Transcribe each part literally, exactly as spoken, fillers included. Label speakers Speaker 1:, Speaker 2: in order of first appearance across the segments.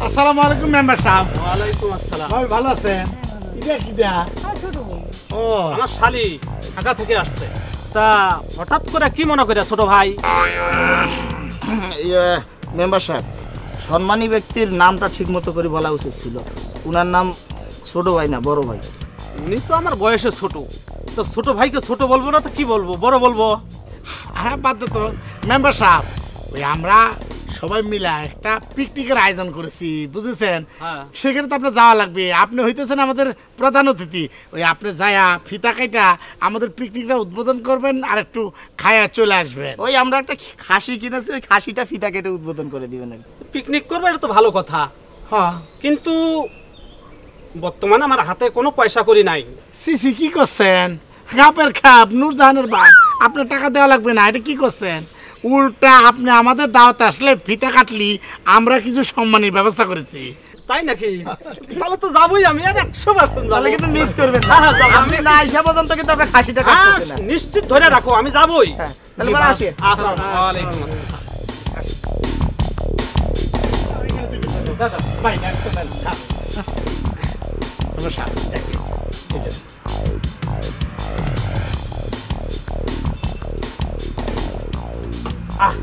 Speaker 1: আসসালামু আলাইকুম মেম্বার সাহেব।
Speaker 2: ওয়ালাইকুম আসসালাম।
Speaker 1: ভাই ভালো আছেন? এটা কি দেয়া? ও
Speaker 2: আমার শালি ঢাকা থেকে আসছে। তা হঠাৎ করে কি মনে করে ছোট ভাই?
Speaker 3: ইয়ে মেম্বার সাহেব, সম্মানী ব্যক্তির নামটা ঠিক মতো করে বলা উচিত ছিল। উনার নাম ছোট ভাই না বড় ভাই।
Speaker 2: উনি তো আমার বয়সে ছোট, তো ছোট ভাইকে ছোট বলবো না তো কি বলবো, বড় বলবো।
Speaker 1: হ্যাঁ বাদ তো মেম্বার সাহেব, ওই আমরা সবাই মিলে একটা পিকনিকের আয়োজন করেছি বুঝেছেন।
Speaker 2: হ্যাঁ।
Speaker 1: সেখানে তো আপনার যাওয়া লাগবে, আপনি হইতেছেন আমাদের প্রধান অতিথি। ওই আপনি যায়া ফিতা কাইটা আমাদের পিকনিকটা উদ্বোধন করবেন আর একটু খায়া চলে আসবেন।
Speaker 3: ওই আমরা একটা খাসি কিনেছি, ওই খাসিটা ফিতা কেটে উদ্বোধন করে দিবেন।
Speaker 2: পিকনিক করবো এটা তো ভালো কথা,
Speaker 1: হ্যাঁ
Speaker 2: কিন্তু বর্তমানে আমার হাতে কোনো পয়সা করি নাই।
Speaker 1: সিসি কি করছেন? খাপের খাপ নূরজাহানের বাপ, আপনার টাকা দেওয়া লাগবে না, এটা কি করছেন? উল্টা আপনি আমাদের দাওয়াতে আসলে ফিতা কাটলি আমরা কিছু সম্মানের ব্যবস্থা করেছি।
Speaker 2: তাই নাকি? তাহলে তো যাবোই আমি, আর একশো পার্সেন্ট
Speaker 3: তাহলে কিন্তু মিস করবেন না।
Speaker 2: হ্যাঁ, হ্যাঁ, যাবো।
Speaker 3: আপনি না আইসা পর্যন্ত কিন্তু আপনার খাসিটা
Speaker 2: হ্যাঁ,
Speaker 3: কাটতেছে না।
Speaker 2: নিশ্চিত ধরে রাখো, আমি যাবোই।
Speaker 3: হ্যাঁ, তাহলে এবার আসি।
Speaker 2: আসসালামু আলাইকুম।
Speaker 1: দাদা ভাই একটা দেন, খান। মেম্বার সাহেব, দেখেন, এই যে।
Speaker 2: আহ,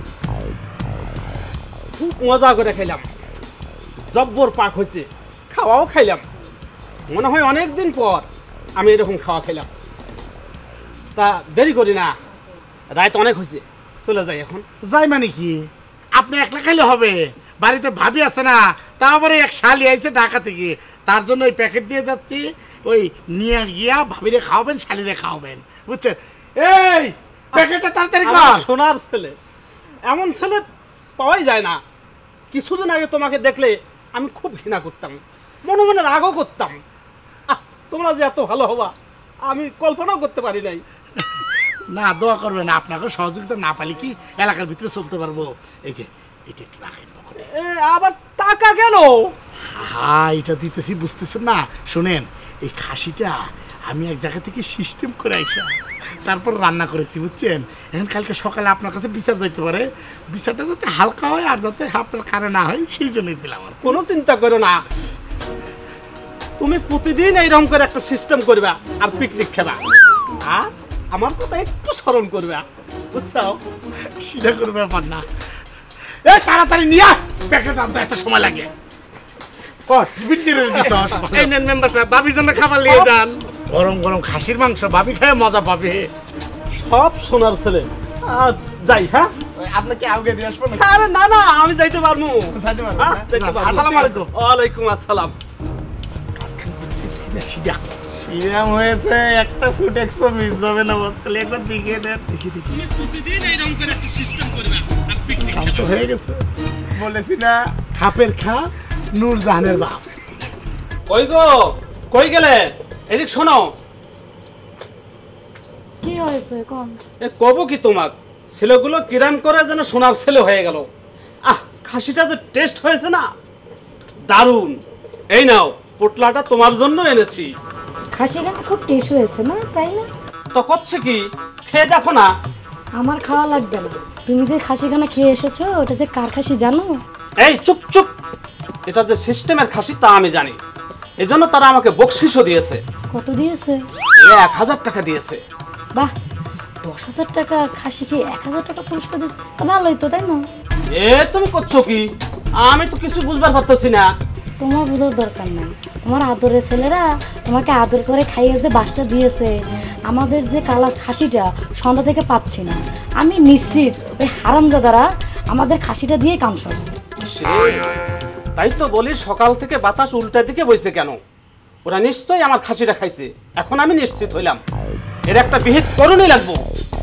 Speaker 2: খুব মজা করে খেলাম, জব্বর পাক হয়েছে, খাওয়াও খাইলাম। মনে হয় অনেক দিন পর আমি এরকম খাওয়া খেলাম। তা দেরি করি না, রাত অনেক হয়েছে, চলে যাই এখন।
Speaker 1: যাই মানে কি, আপনি একলা খাইলে হবে? বাড়িতে ভাবি আছে না, তারপরে এক শালি আইছে ঢাকা থেকে, তার জন্য ওই প্যাকেট দিয়ে যাচ্ছি, ওই নিয়ে গিয়া ভাবিরে খাওয়াবেন, শালিরে খাওয়াবেন, বুঝছেন? এই প্যাকেটটা তাড়াতাড়ি
Speaker 2: আমার
Speaker 1: কর।
Speaker 2: সোনার ছেলে, এমন ছেলে পাওয়াই যায় না। কিছুদিন আগে তোমাকে দেখলে আমি খুব ঘৃণা করতাম, মনে মনে রাগও করতাম। আহ, তোমরা যে এত ভালো হবা আমি কল্পনাও করতে পারি নাই।
Speaker 1: না দোয়া করবেন, আপনাকে সহযোগিতা না পালি কি এলাকার ভিতরে চলতে পারবো? এই যে এটা একটু রাখেন পকেটে।
Speaker 2: এ, আবার টাকা কেন?
Speaker 1: হ্যাঁ এটা দিতেছি, বুঝতেছেন না? শুনেন, এই খাসিটা আমি এক জায়গা থেকে সিস্টেম করে আইসা তারপর রান্না করেছি বুঝছেন। এখন কালকে সকালে আপনার কাছে বিচার যাইতে পারে, বিচারটা যাতে হালকা হয় আর যাতে আপনার কারে না হয় সেই জন্যই দিলাম। আর
Speaker 2: কোনো চিন্তা করো না, তুমি প্রতিদিন এইরকম করে একটা সিস্টেম করবা আর পিকনিক খেবা, আর আমার কথা একটু স্মরণ করবা, বুঝছো?
Speaker 1: সেটা কোনো ব্যাপার না। এ তাড়াতাড়ি নিয়ে প্যাকেট আনতে এত সময় লাগে। ও টিফিন দিয়ে দিছস?
Speaker 2: এই নেন মেম্বার সাহেব, বাবির জন্য খাবার নিয়ে যান।
Speaker 1: গরম গরম খাসির মাংস ভাবি খায় মজা পাবে।
Speaker 2: সব সোনার ছেলে। আর যাই, হ্যাঁ?
Speaker 3: আপনাকে আগে দিয়ে আসবো না?
Speaker 2: আরে না না, আমি যাইতে পারবো।
Speaker 3: যাইতে পারবেন
Speaker 2: হ্যাঁ,
Speaker 3: না?
Speaker 2: যাইতে পারবো।
Speaker 1: আসসালামু আলাইকুম।
Speaker 2: ওয়ালাইকুম আসসালাম।
Speaker 1: সিধা
Speaker 3: ইরাম হয়েছে, একটা ফুট একশো মিস যাবে না বস, খালি একবার দিকে দেন।
Speaker 1: দেখি দেখি
Speaker 2: তুমি প্রতিদিন এইরকম করে একটা সিস্টেম করবা আর পিকনিক
Speaker 1: কাম তো হয়ে গেছে।
Speaker 3: বলেছি না?
Speaker 1: খাপের খা নূরজাহানের বাপ।
Speaker 2: কই গো, কই গেলে? এদিক শোনো।
Speaker 4: কি হয়েছে কোন?
Speaker 2: এ কব কি তোমাক, ছেলেগুলো কিরাম করে যেন সোনার ছেলে হয়ে গেল। আহ, খাসিটা যে টেস্ট হয়েছে না, দারুণ। এই নাও, পোটলাটা তোমার জন্য এনেছি।
Speaker 4: খাসিটা খুব টেস্ট হয়েছে না, তাই না?
Speaker 2: তো করছে কি, খেয়ে দেখো না।
Speaker 4: আমার খাওয়া লাগবে না, তুমি যে খাসিখানা খেয়ে এসেছো ওটা যে কার খাসি জানো?
Speaker 2: এই চুপ চুপ, এটা যে সিস্টেমের খাসি তা আমি জানি, এজন্য তারা আমাকে বকশিসও দিয়েছে।
Speaker 4: কত দিয়েছে?
Speaker 2: ওরা এক হাজার টাকা দিয়েছে।
Speaker 4: বাহ, দশ হাজার টাকা খাসি খেয়ে এক হাজার টাকা পুরস্কার দিয়েছে, তা ভালোই তো, তাই না?
Speaker 2: এ তুমি করছো কি? আমি তো কিছু বুঝবার পারতেছি না।
Speaker 4: তোমার বোঝার দরকার নাই, তোমার আদরের ছেলেরা তোমাকে আদর করে খাইয়ে যে বাসটা দিয়েছে, আমাদের যে কালা খাসিটা সন্ধ্যা থেকে পাচ্ছি না, আমি নিশ্চিত ওই হারামজাদারা আমাদের খাসিটা দিয়ে কাম সারছে।
Speaker 2: সে, তাই তো বলি সকাল থেকে বাতাস উল্টা দিকে বইছে কেন? ওরা নিশ্চয়ই আমার খাসিটা খাইছে, এখন আমি নিশ্চিত হইলাম এর একটা বিহিত করণই লাগবো।